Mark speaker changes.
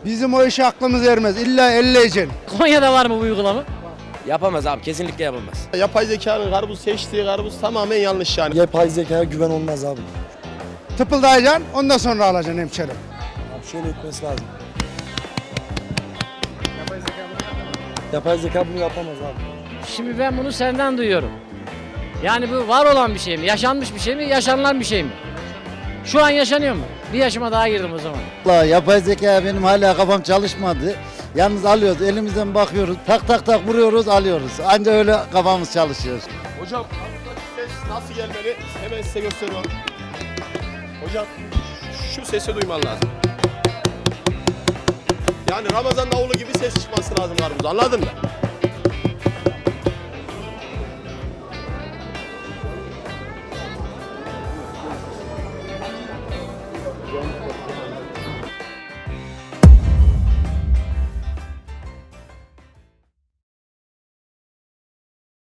Speaker 1: Bizim o işe aklımız ermez. İlla elleyeceksin.
Speaker 2: Konya'da var mı bu uygulama?
Speaker 3: Yapamaz abi, kesinlikle yapamaz.
Speaker 4: Yapay zekanın karpuz seçtiği karpuz tamamen yanlış yani.
Speaker 5: Yapay zekaya güven olmaz abi.
Speaker 1: Tıpıldayacaksın, ondan sonra alacaksın hemşerim.
Speaker 5: Abi şöyle etmesi lazım. Yapay zeka bunu yapamaz abi.
Speaker 2: Şimdi ben bunu senden duyuyorum. Yani bu var olan bir şey mi? Yaşanmış bir şey mi? Yaşanılan bir şey mi? Şu an yaşanıyor mu? Bir yaşıma daha girdim o zaman.
Speaker 6: Vallahi yapay zeka benim hala kafam çalışmadı. Yalnız alıyoruz, elimizden bakıyoruz, tak tak tak vuruyoruz, alıyoruz. Anca öyle kafamız çalışıyor.
Speaker 4: Hocam ses nasıl gelmeli hemen size gösteriyorum. Hocam şu sesi duyman lazım. Yani Ramazan davulu gibi ses çıkması lazım karpuz, anladın mı?